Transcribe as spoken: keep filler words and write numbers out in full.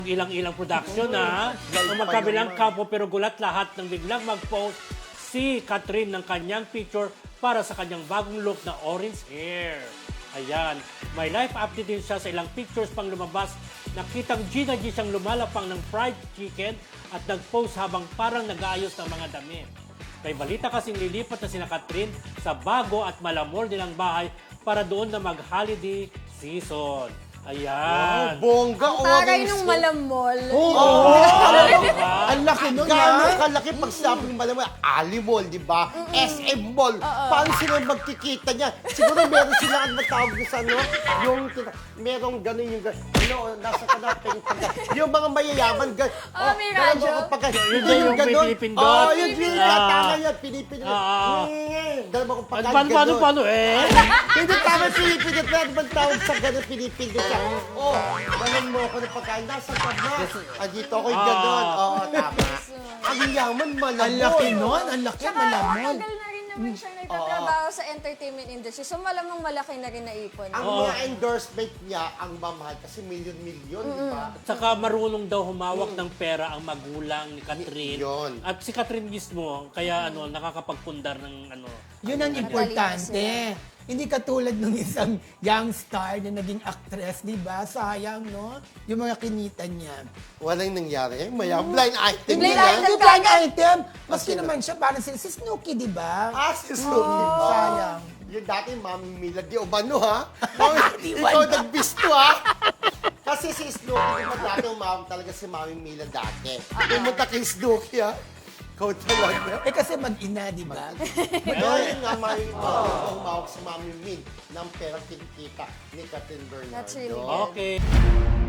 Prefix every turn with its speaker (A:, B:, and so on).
A: Ilang-ilang production ha. Ang magkabilang kampo pero gulat lahat nang biglang mag-post si Catherine ng kanyang picture para sa kanyang bagong look na orange hair. Ayan. May live update din siya sa ilang pictures pang lumabas. Nakitang Gina G siyang lumalapang ng fried chicken at nag-post habang parang nag-aayos ng mga damit. May balita kasing lilipat na sina Catherine sa bago at malamor nilang bahay para doon na mag-holiday season. Ayan.
B: Wow, bongga.
C: Taray
B: orange
C: nung
B: hair.
C: malamol.
B: Oo.
A: Ah, diba?
B: Ang laki nun, Gano'ng kalaki pag sabi ng malamang Ali Mall, di ba? S M Mall. Paano sila magkikita niya? Siguro meron sila ang matawag na sa ano, yung merong gano'n yung gano'n. Ano, nasa kanapin. Yung mga mayayaman, gano'n.
C: Oh, may radyo.
A: Yun din yung may pinipindot.
B: Oo, yun yun.
A: Ah.
B: Tama yan, pinipindot.
A: Ah.
B: Dalawa kong pagkain,
A: Paano, paano, paano eh?
B: Hindi tama pinipindot. Meron bang tawag sa gano'n pinipindot siya? Oh, dalan mo ako ng pagkain. Nasa ka ba? Ah, dito ako yung gano'n. Oo, tama. Ang yaman, malamon.
D: Ang laki nun, ang laki,
C: Tsaka
D: malamon.
C: tagal na rin naman siya nagtatrabaho sa entertainment industry. So malamang malaki na rin naipon.
B: Ang mga endorsement niya, ang mamahal kasi milyon-milyon, di ba?
A: Saka marunong daw humawak ng pera ang magulang ni Catherine.
B: Yun.
A: At si Catherine mismo, kaya ano, nakakapagpundar ng ano.
D: Yun ang importante. Hindi katulad ng isang young star na naging actress, di ba? Sayang, no? Yung mga kinita niya.
B: Walang nangyari. Maya, blind item
C: Blind
B: niya.
C: item.
D: Hindi blind item. Maski
B: sino?
D: naman siya, parang si, si Snooki, di ba?
B: Ah, si Snoopy.
D: Sayang.
B: Yung dati, Mami Mila, di umano, ha? Mami, ikaw nagbisto, ha? Kasi si Snoopy, di ba dati umawag talaga si Mami Mila dati. Pumunta kay Snoopy, ha? Ikaw talaga.
D: Eh kasi mag-ina, di ba?
B: Pero yun nga, Mami Mila, umawag si Mami Min ng perang kinikita ni Catherine Bernardo.
C: That's really good.
A: Okay.